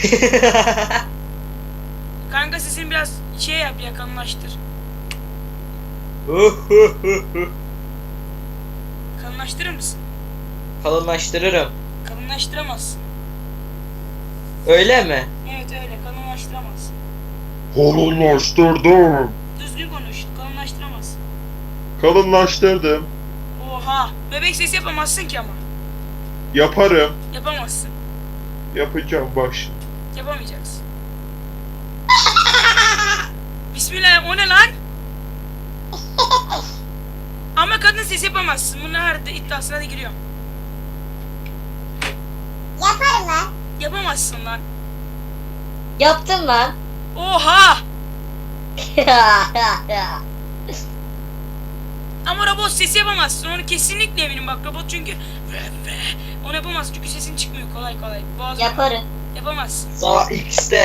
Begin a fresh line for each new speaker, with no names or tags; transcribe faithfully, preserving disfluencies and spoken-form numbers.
Kanka sesini biraz şey yap ya, kalınlaştır. Kalınlaştırır mısın?
Kalınlaştırırım.
Kalınlaştıramazsın.
Öyle mi?
Evet öyle, kalınlaştıramazsın.
Kalınlaştırdım.
Düzgün konuş, kalınlaştıramazsın.
Kalınlaştırdım.
Oha, bebek sesi yapamazsın ki ama.
Yaparım.
Yapamazsın.
Yapacağım bak şimdi.
Yapamayacaksın. Bismillah, o ne lan? Ama kadın sesi yapamazsın. Bunun her iddiasına da giriyorum.
Yaparım lan.
Yapamazsın lan.
Yaptım lan.
Oha! Ama robot sesi yapamazsın. Onu kesinlikle eminim bak, robot çünkü onu yapamaz çünkü sesin çıkmıyor kolay kolay. Boğaz
Yaparım.
yapamazsın.
Sağ X'te.